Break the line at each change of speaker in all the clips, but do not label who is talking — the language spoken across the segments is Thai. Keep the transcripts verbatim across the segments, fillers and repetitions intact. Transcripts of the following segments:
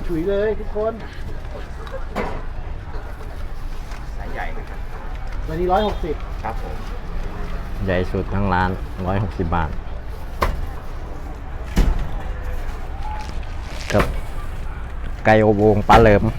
ฉุยเลยทุกคน
สายใหญ่นะครับ
วันนี้ร้อยหกสิบ
ครับผม
ใหญ่สุดทั้งร้านร้อยหกสิบบาทกับไก่อบโอ่งปลาเหลิม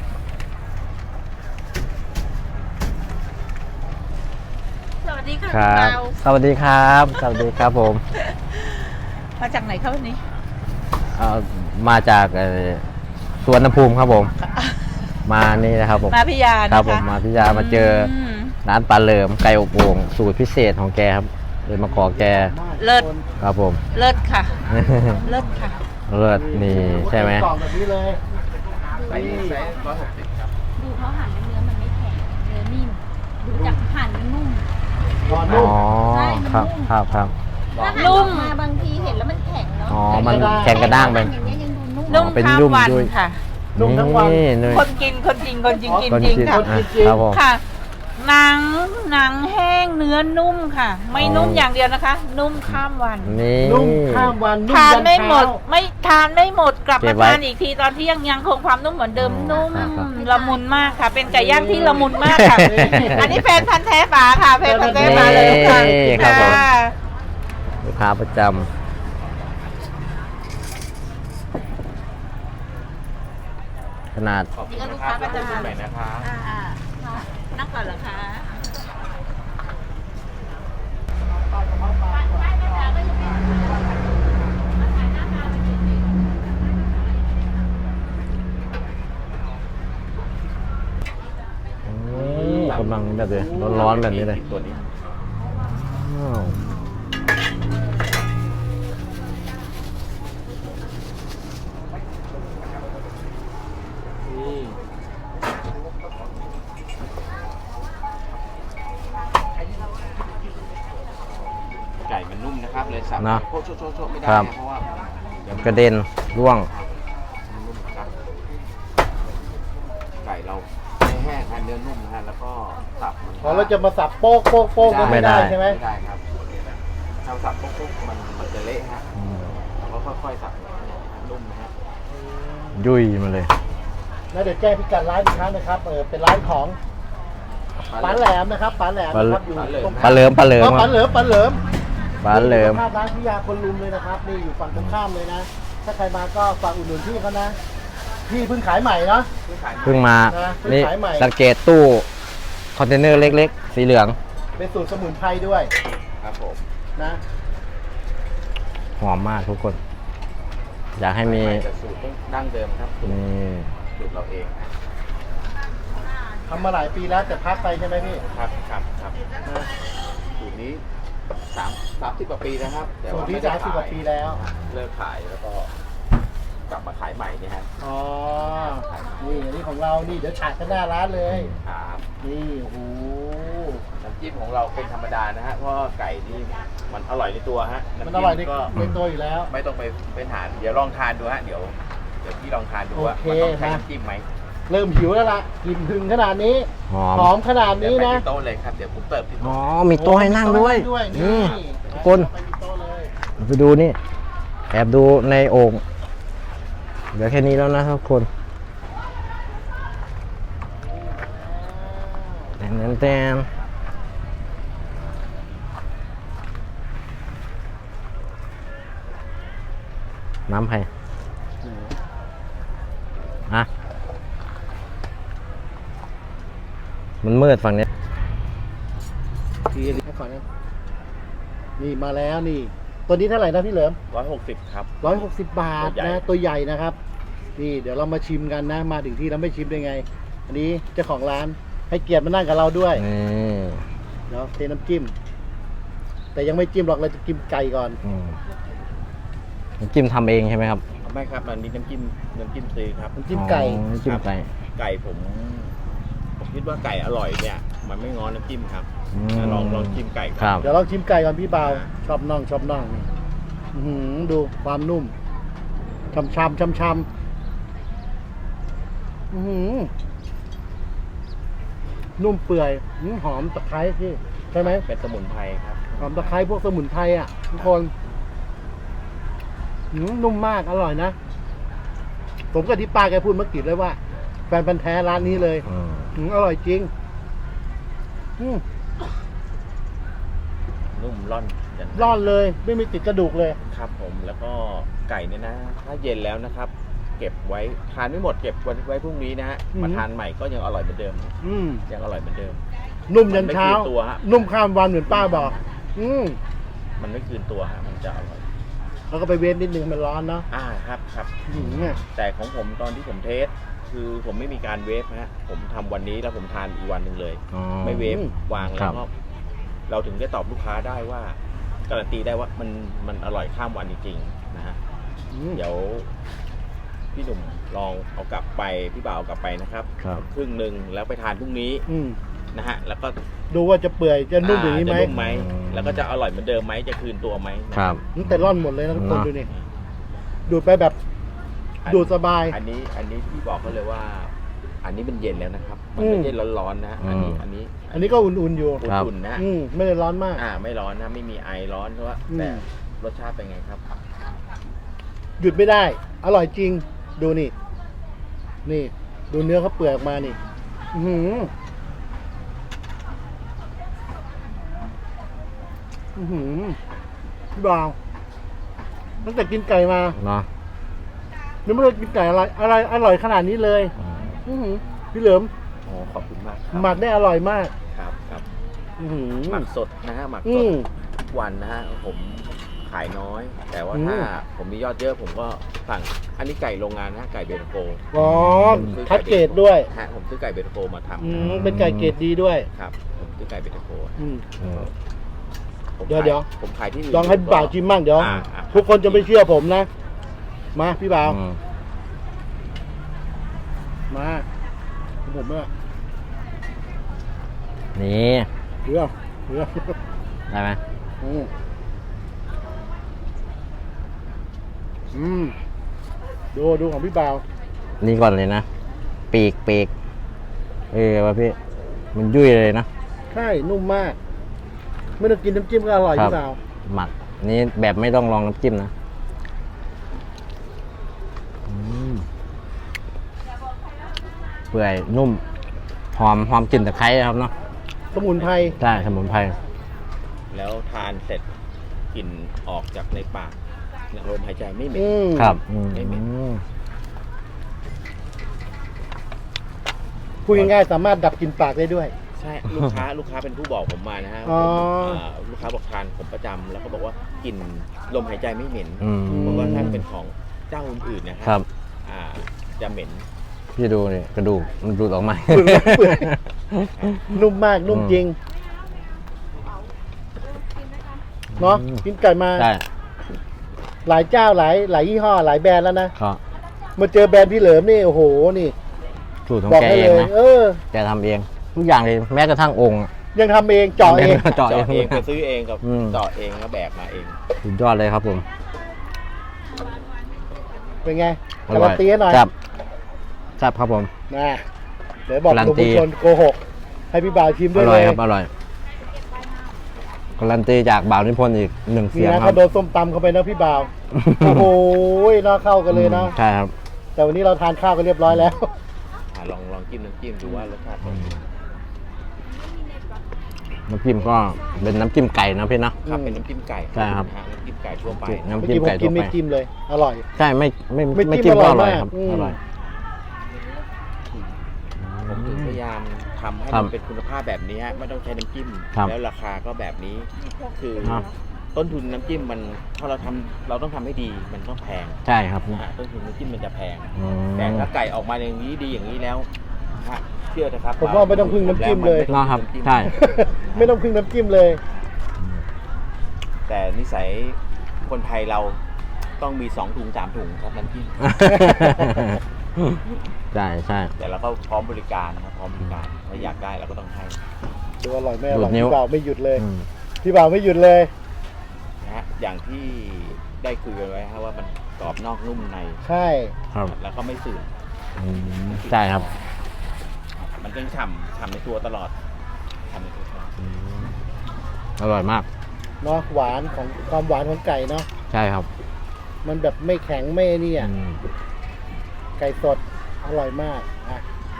สวัสดีค่ะ
ครับ
เรา
สวัสดีครับสวัสดีครับผม
มาจากไหนครับวันนี้
เอ่อมาจากเอ่อสวนน้ำภูมิครับผม มานี่นะครับผม
มาพิยานะคะ
ครับผมมาพิยามาเจอร้านปลาเหลิมไก่อบโอ่งสูตรพิเศษของแกครับเลยมาขอแก
เลิศ
ครับผม
เลิศค่ะ เลิศค่ะ
เลิศนี่ใช่ไหม
กล่องแบบนี้เลย
ไซส์ไซส์ร้อยหกสิบครับ
ดูเขาหั่นเนื้อมันไม่แข็งเนื้อนิ่มดูจากหั่นมันนุ่ม
ก่อน
อ๋
นุ่
อ
ม
ใช่มัน
ครับ
นุ่ม
ครับครับ
ถ้าหั่น
นุ่
อ
ม
อกมาบางทีเห็นแล้วมันแข็งเนาะ
อ๋อมันแข็งกระด้างไป
อย่างเงี้ยยังดูนุ่ม
นุ่ม
เป็น
ข้าม
นุ่ม
วัน
ด้วย
ค่ะ
นุ่มทั้งวัน
นี่เลย
คนกินคนจริงคนจริงกิน
คน
จริง
กิน
ค่ะ
อ่ะครับผม
ค่ะ หนังหนังแห้งเนื้อนุ่มค่ะ ไม่นุ่มอย่างเดียวนะคะ นุ่มข้ามวัน
นี่
นุ่มข้ามวันนุ่ม
ทาน
ยัน
ไม่หมด
เช้า
ไม่ทานไม่หมดกลับ
เก็
มา
บไว้
ทานอีกทีตอนเที่ยงยังคงความนุ่มเหมือนเดิม
อ๋อ
นุ่ม
ครับครับ
ละมุนมากค่ะ เป็นไก่ย่างที่ละมุนมากค่ะ
นี่
อันนี้แฟนพันธ์แท้ฝาค่ะแฟนพันธ์แท้ฝาเลยค่ะ
นี่ครับผม
ค่ะ
ลูกค้าประจำขนาด
ขอบคุณนะครับแล้วพบกันใหม่นะครับ
อ่านั่งก่อนเหรอคะ
กำลังแบบเลยร้อนๆแบบนี้เลย
ตัวนี้
อ้าว
นี่
ไก่มันนุ่มนะครับเลยสับ
นะ
โคตรโชว์ๆๆไม่ได้
ครับ
นะเพราะว่าเดี๋ยวมัน
กระเด็นร่วง
มันนุ่มครับไก่เราไม่แห้งฮะเนื้อนุ่มนะฮะแล้วก็สับมัน
พอเราจะมาสับโป๊กโป๊กโป๊กก็ไม่ได้
ไม่ได้
ใช่ไหม
ไม่ได้ครับถ้าสับปุ๊บๆมันมันจะเละฮะ
อืม
เราก็ค่อยๆสับนุ่มนะฮะ
ยุ่ยมาเลย
แล้วเดี๋ยวแจ้งพิกัดร้านอีกครั้งนะครับเออเป็นร้านของปลาแหลมนะครับปลาแหลมนะครับอยู่ตรง
ปลาเหลิมปลาเหลิม
อ๋อ
ค
ป
รั
ลา
บ
เหลิมปลาเหลิม
ปลาเหลิม
ภาพร้านพิยาคนลุมเลยนะครับนี่อยู่ฝั่งตรงข้ามเลยนะ ถ้าใครมาก็ฝากอุดหนุนพี่เขานะพี่เพิ่งขายใหม่เนาะ
เพิ่งมา
นะเพิ่ง
นี่
ขายใหม่
สังเกตตู้คอนเทนเนอร์เล็กๆ สีเหลือง
เป็นสูตรสมุนไพรด้วย
ครับผม
นะ
หอมมากทุกคน อยากให้มี
แต่สูตรต้องดั้งเดิมครับสูตร
นี่
สูตรเราเองนะ
ทำมาหลายปีแล้วแต่พักไปใช่ไหมพี่
ครับครับครับ
นะ
สูตรนี้สามสามสิบกว่าปีนะครับแต่
สูต
ว่าร
ที่
ไม่ได้
สามสิบกว่า
ขาย
ปีแล้ว
เลิกขายแล้วก็กลับมาขายใหม่เนี่ยฮะ
อ๋อนี่อันนี้ของเรานี่เดี๋ยวฉากข้างหน้าร้านเลย
ครับ
นี่โอ้โห
น้ำจิ้มของเราเป็นธรรมดานะฮะเพราะว่าไก่นี่มันอร่อยในตัวฮะ
มันอร่อยใน
ก็
ในตัวอยู่แล้ว
ไม่ต้องไปเป็นหารเดี๋ยวลองทานดูฮะเดี๋ยวเดี๋ยวพี่ลองทานดูว่า
โอเค
มันต้องใช้
นะ
น้ำจิ้มไหม
เริ่มหิวแล้วล่ะกลิ่นถึงขนาดนี้
หอม
หอมขนาด
เดี๋ยว
นี้
ไป
นะ
ที่โต๊ะเลยครับเดี๋ยวผมเติมที่
อ๋อ
โต๊ะ
มีโต๊ะให้นั่งด้วย
โต๊ะให้
นี่
นั่งด้วย
ทุกคน
ไปมีโต๊ะเลย
ไปดูนี่ แอบดูในโอ่งเหลือแค่นี้แล้วนะทุกคนแตนแตนน้ำไผ่อะมันมืดฝั่งนี้
ทีนี้ก่อนนะนี่มาแล้วนี่ ตัวนี้เท่าไหร่นะพี่เหลิม
ร้อยหกสิบครับ
ร้อยหกสิบบาท
ตัวใหญ่
นะตัวใหญ่นะครับ นี่เดี๋ยวเรามาชิมกันนะ มาถึงที่เราไม่ชิมได้ไง อันนี้เจ้าของร้านให้เกียรติมานั่งกับเราด้วย
นี่
เดี๋ยวเทน้ำจิ้ม แต่ยังไม่จิ้มหรอกเราจะกินไก่ก่อน
อืมน้ำจิ้มทำเองใช่ไหมครับ
ไม่ครับมันมีน้ำจิ้มน้ำจิ้มซื้อครับ
น้ำจิ้มไก่
อ๋อน้ำจิ้มไก่
ไก่ผมผมคิดว่าไก่อร่อยเนี่ย มันไม่ง้อน้ำจิ้มครับ
อืม
ลองลองจิ้มไก่ก่อน
ครับ
เดี๋ยวเราชิมไก่ก่อนพี่เบาชอบน่องชอบน่องนี่อื้อหือดูความนุ่มช่ำช่ำช่ำช่ำอื้อหือนุ่มเปื่อยอื้อหอมตะไคร้พี่ใช่ไหม
เป็นสมุนไพรครับ
หอมตะไคร้พวกสมุนไพรอ่ะทุกคนอื้อนุ่มมากอร่อยนะผมกับที่ป้าแกพูดเมื่อกี้เลยว่า แฟนพันธ์แท้ร้านนี้เลย
อืม
อืมอร่อยจริงอืม
นุ่มร่อนกัน
ร่อนเลยไม่มีติดกระดูกเลย
ครับผมแล้วก็ไก่เนี่ยนะ ถ้าเย็นแล้วนะครับ เก็บไว้ทานไม่หมดเก็บไว้พรุ่งนี้นะฮะ
อืม
มาทานใหม่ก็ยังอร่อยเหมือนเดิม
อืม
ยังอร่อยเหมือนเดิม
นุ่มยันเช้า
มันไม่คืนตัวฮะ
นุ่มข้ามวันเหมือนป้าบอก อืม
มันไม่คืนตัวฮะมันจะอร่อย
แล้วก็ไปเวฟนิดนึงมันร้อนเนาะ
อ่าครับครับ
อืมเนี่ย
แต่ของผมตอนที่ผมเทส คือผมไม่มีการเวฟนะฮะผมทำวันนี้แล้วผมทานอีกวันหนึ่งเลย
อ๋อ
ไม่เวฟวาง
ครั
แล้ว
บ
ก็เราถึงได้ตอบลูกค้าได้ว่าการันตีได้ว่ามันมันอร่อยข้ามวันจริงๆนะฮะ
อืม
เดี๋ยวพี่หนุ่มลองเอากลับไปพี่บ่าวเอากลับไปนะครับ
ครับ
ครึ่งหนึ่งแล้วไปทานพรุ่งนี้
อืม
นะฮะแล้วก็
ดูว่าจะเปื่อยจะนุ่มอย่างนี้ไหม
จะนุ่มไหม
อืม
แล้วก็จะอร่อยเหมือนเดิมไหมจะคืนตัวไหมนะครับ
อืมแต่ร่อนหมดเลยนะทุกคน
เนอะ
ดูนี่ดูดไปแบบ
อัน
ดูดสบาย
อันนี้อันนี้พี่บอกเขาเลยว่า อันนี้มันเย็นแล้วนะครับ มัน
อืม
ไม่ใช่ร้อนๆนะอันนี้
อืม
อันนี้
อันนี้ก็อุ่นๆอยู่
ครับ
อุ่นๆนะ
อืมไม่ได้ร้อนมาก
อ่าไม่ร้อนนะไม่มีไอร้อนเพราะว่า
อืม
แต่รสชาติเป็นไงครับ
หยุดไม่ได้ อร่อยจริง ดูนี่ นี่ ดูเนื้อเขาเปื่อยออกมานี่ อือหืออือหือพี่บ่าวตั้งแต่กินไก่มา
เนาะ
ยังไม่เคยกินไก่อะไรอะไรอร่อยขนาดนี้เลย อือหือพี่เหลิม
อ๋อขอบคุณมากครับ
หมักได้อร่อยมาก
ครับครับ
อือหือ
หมักสดนะฮะหมัก
อื
สด
ม
ทุกวันนะฮะผมขายน้อย แต่ว่า
อืม
ถ้าผมมียอดเยอะผมก็สั่งอันนี้ไก่โรงงานนะฮะไก่เบตโก
อ๋อคัดเกรดด้วย
ฮะผมซื้อไก่เบตโกมาทำ
อื
นะ
มเป็นไก่เกรดดีด้วย
ครับผมซื้อไก่เบตโก
อืม
อืม
ผม
เดี๋ยว
ขาย
เดี๋ยว
ผมขายที่อื่น
ลองให้บ่าวชิมบ้างเดี๋ยว
อ่าอ่า
ทุกคนจะไม่เชื่อผมนะ มาพี่บ่าว
อืม
มาผมเนี่ย
นี่
เรื่องเรื่อง
ได้ไหม
อืมอืมดูดูของพี่บ่าว
นี่ก่อนเลยนะ ปีกปีกเออวะพี่ มันยุ่ยเลยนะ
ใช่นุ่มมาก ไม่ต้องกินน้ำจิ้มก็อร่อย
ครับ
พี่บ่าว
หมัก นี่แบบไม่ต้องลองน้ำจิ้มนะอืมเปื่อยนุ่ม หอมหอมกลิ่นตะไคร้ครับเนาะ
สมุนไพร
ใช่สมุนไพร
แล้วทานเสร็จกลิ่นออกจากในปากลมหายใจไม่เหม็น
อืม
ครับอืม
ไม่เหม็น
พูดง่ายๆสามารถดับกลิ่นปากได้ด้วย
ใช่ลูกค้าลูกค้าเป็นผู้บอกผมมานะฮะ
อ๋อ
ผมอ่าลูกค้าบอกทานผมประจำแล้วก็บอกว่ากลิ่นลมหายใจไม่เหม็น
อืม
เพราะว่าถ้าเป็นของเจ้าอื่นๆนะค
ครั
รับ อ่าจะเหม็น
พี่ดูนี่กระดูกมันดูดออกมา
เปื่อย นุ่มมากนุ่มจริงเนาะ
อืม
กินไก่มา
ใช่
หลายเจ้าหลายหลายยี่ห้อหลายแบรนด์แล้วนะ
ก็
มาเจอแบรนด์พี่เหลิมนี่โอ้โหนี่
สูตรของ
บอก
แก
ให้
เอ
เล
ง
ย
นะ
เออ
แกทำเอง ทุกอย่างเลยแม้กระทั่งองค์อะ
ยังทำเองเจาะเอง
เจาะเอ
เจาะ
ง
เองไปซื้อเองกับ
อืม
เจาะเองแล้วแบกมาเอง
สุดยอดเลยครับผม
เป็นไง
อ
การั
ร่อน ย
ตีให้หน่อย
จับจับครับผม
นะเดี๋ยวบอก
การัน
คุณ
ตี
ผู้ชมโกหก ให้พี่บ่าวชิม
อ
ด้วย
ร่
เล
อย
ย
ครับอร่อยการันตีจากบ่าวนิพนธ์อีกหนึ่ง
นี่
เสียง
นะครับ
ครั
โดนส้มตำเข้าไปนะพี่บ่าว โอ้โหน่าเข้ากันเลยนะ
ใช่ครับ
แต่วันนี้เราทานข้าวกันเรียบร้อยแล้ว
อ่าลองลองจิ้มน้ำจิ้มดูว่ารสชาติเป็นไง
น้ำจิ้มก็เป็นน้ำจิ้มไก่นะพี่เนาะ
ครับเป็นน้ำจิ้มไก่
ใช่ครับ
นะฮะน้ำจิ้มไก่ทั่วไป
น้ำ
เมื่อ
จิ้ม
กี้ผม
ไก่
กิ
ทั่
น
ว
ไม่
ไป
จิ้มเลย อร่อย
ใช่ไม่ไม่
ไม่
ไม่
จิ้
จิ้
ม
มก็
อ
อ
ร่
ร่
อ
อย ย
มาก
ครับ
อืม
อร่อย
ผมถึงพยายามทำให้
ครั
มั
บ
นเป็นคุณภาพแบบนี้ฮะไม่ต้องใช้น้ำจิ้ม
ครับ
แล้วราคาก็แบบนี้ คือ
ครับ
ต้นทุนน้ำจิ้มมันพอเราทำเราต้องทำให้ดีมันต้องแพง
ใช่ครับ
นะฮะต้นทุนน้ำจิ้มมันจะแพง
อืม
แต่ถ้าไก่ออกมาอย่างนี้ดีอย่างนี้แล้วฮะเชื่อนะครับ
ผมว่าไม่ต้องพึ่งน้ำจิ้มเลย
เนาะครับใช่
ไม่ต้องพึ่งน้ำจิ้มเลย
แต่นิสัยคนไทยเราต้องมีสองถุงสามถุงครับน้ำจิ้ม
ใช่ใช่
แต่เราก็พร้อมบริการนะครับพร้อมบริการถ้าอยากได้เราก็ต้องให้
ดูอร่อยไม่อร่อย
ดูดนิ้ว
พี่บ่าวไม่หยุดเลย
อืม
พี่บ่าวไม่หยุดเลย
นะฮะอย่างที่ได้คุยกันไว้ฮะว่ามันกรอบนอกนุ่มใน
ใช่
ครับ
แล้วก็ไม่สื่อ
อืมใช่ครับ
มันยังฉ่ำฉ่ำในตัวตลอดฉ่ำในตัวตลอด
อืมอร่อยมาก
เนาะหวานของความหวานของไก่เนาะ
ใช่ครับ
มันแบบไม่แข็งไม่นี่อ่ะ
อืม
ไก่สดอร่อยมากอ่ะ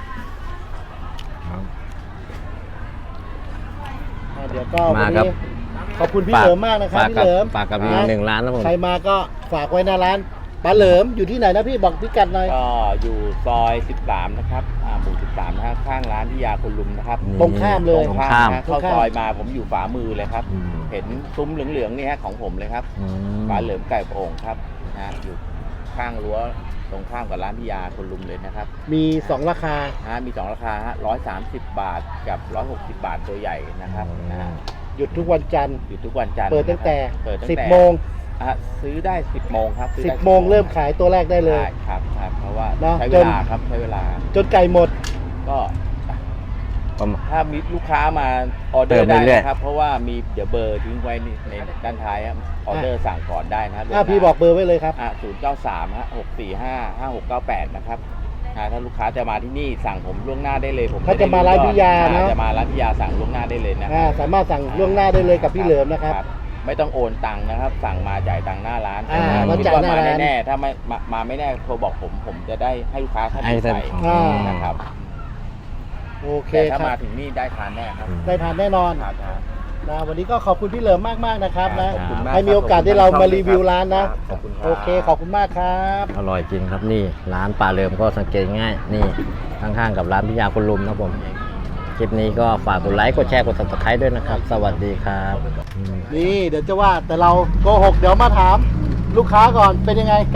อ่ะเดี๋ยวก็วั
มาน ครับ
นี้ขอบคุณพี่เหลิมมากนะครับ
ฝาก
พี่
กับ
เหลิม
ฝากกับอีกหนึ่งร้านนะผม
ใครมาก็ฝากไว้หน้าร้านปลาเหลิมอยู่ที่ไหนนะพี่บอกพิกัดหน่อย
ก็อยู่ซอยสิบสามนะครับอ่าหมู่สิบสามนะฮะข้างร้านพิยาคุณลุมนะครับ
ตรงข้ามเลย
ตรงข้าม
ข้าม
นะเข้าซอยมาผมอยู่ฝามือเลยครับ
อืม
เห็นซุ้มเหลืองๆนี่ฮะของผมเลยครับ
อืม
ปลาเหลิมไก่โอ่งครับนะฮะอยู่ข้างรั้วตรงข้ามกับร้านพิยาคุณลุมเลยนะครับ
มีสองราคา
นะฮะมีสองราคาฮะร้อยสามสิบบาทกับร้อยหกสิบบาทตัวใหญ่นะครับนะฮะ
หยุดทุกวันจันทร์
อยู่ทุกวันจันทร์
เปิดตั้งแต่
เปิดตั้ง
สิบ
แต่
โมง
อ่ะซื้อได้สิบโมงครับซื้อ
สิบ
ได้
โมงเริ่มขายตัวแรกได้เลย
ได้ครับครับเพราะว่า
เนอะ
ใช้
จ
เวน ลาครับใช้เวลา
จนไก่หมด
ก็
ประมาณ
ถ้ามีลูกค้ามาออเดอ
เติ
ร์
ม
ได้
เรื่อยๆ
นะครับ เพราะว่ามีเดี๋ยวเบอร์ทิ้งไว้ในในด้านท้ายครับออเดอร์สั่งก่อนได้นะครับ
อ่ะพี่บอกเบอร์ไว้เลยครับ
อ่ะศูนย์เก้าสามฮะหกสี่ห้าห้าหกเก้าแปดนะครับอ่ะถ้าลูกค้าจะมาที่นี่สั่งผมล่วงหน้าได้เลยผม
ถ้าจะมาร้านพิยา
อ่
เนอะ
จะมาร้านพิยาสั่งล่วงหน้าได้เลยนะ
อ่าสามารถสั่งล่วงหน้าได้เลยกับพี่เหลิมนะครับ
ไม่ต้องโอนตังค์นะครับ สั่งมาจ่ายตังค์หน้าร้าน
อ่า
ถ้
มา
คิด
จ่าย
ว่า
หน้า
มา
ร้าน
แน่ๆถ้าไม่มามาไม่แน่โทรบอกผมผมจะได้ให้ลูกค้าท่าน
ให้
อื่น
ท่าน
ไป
อ่า
นะครับ
โอเค
แต่ถ้า
ค
มา
รับ
ถึงนี่ได้ทานแน่ครับ
ได้ทานแน่นอน
ครับครับ
นะวันนี้ก็ขอบคุณพี่เหลิมมากๆนะครับนะ
ขอบคุณมาก
ให้มีโอกาสได้เรามารีวิวร้านนะ
ขอบคุณรับ
โอเคขอบคุณมากครับ
อร่อยจริงครับนี่ร้านปลาเริมก็สังเกตง่ายนี่ข้างๆกับร้านพิยาคุณลุมนะผมคลิปนี้ก็ฝากกดไลค์กดแชร์กด ซับสไครบ์ ด้วยนะครับ สวัสดีครับอืม
นี่เดี๋ยวจะว่าแต่เราโกหกเดี๋ยวมาถามลูกค้าก่อนเป็นยังไงไก่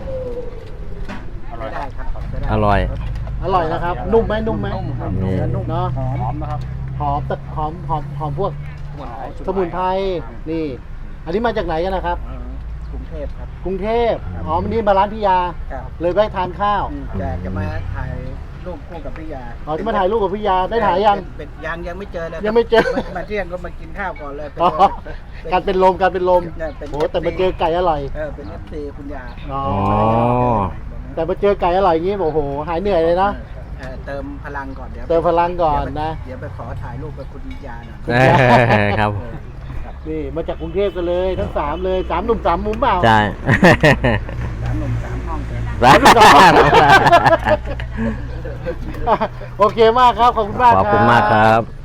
อร่อย
อร่อยนะครับ นุ่มไหมนุ่มไหม
นี่
เนาะหอมนะครับหอมแต่หอมหอมหอมพวกสมุนไพรนี่ อันนี้มาจากไหนกันนะครับ
กรุงเทพครับ
กรุงเทพอ๋อวันนี้มาร้านพิยา
ครับ
เลยไปทานข้าว
จะจะมาถ่ายรูปคู่กับพี่ยา
อ๋อที่มาถ่ายรูปกับพิยาได้ถ่ายยัง
เป็นเป็นยังยังไม่เจอเลย
ยังไม่เจอ
มามาเที่ยงก็มากินข้าวก่อนเลยเป็น
อ๋อ
เป็น
การเป็นลมการเป็นลม
เนี่ยเป็น
โอ้แต่มาเจอไก่อร่อย
เออเป็นเอฟซีคุณยา
อ๋อ
อ๋อ
แต่มาเจอไก่อร่อยอย่างนี้โอ้โหหายเหนื่อยเลยนะ
เออเติมพลังก่อนเดี๋ยว
เติมพลังก่อนนะ
เดี๋ยวไปขอถ่ายรูปกับคุณยาหน่อย
เอ้ยครับ
เออครับ
นี่มาจากกรุงเทพกันเลยทั้งสามเลยสามหนุ่มสามมุมเปล่า
ใช่
สามหนุ่มสามห้องเกิน
ร้าน
โอเคมากครับ ขอบคุณมาก
ขอบคุณมากครับ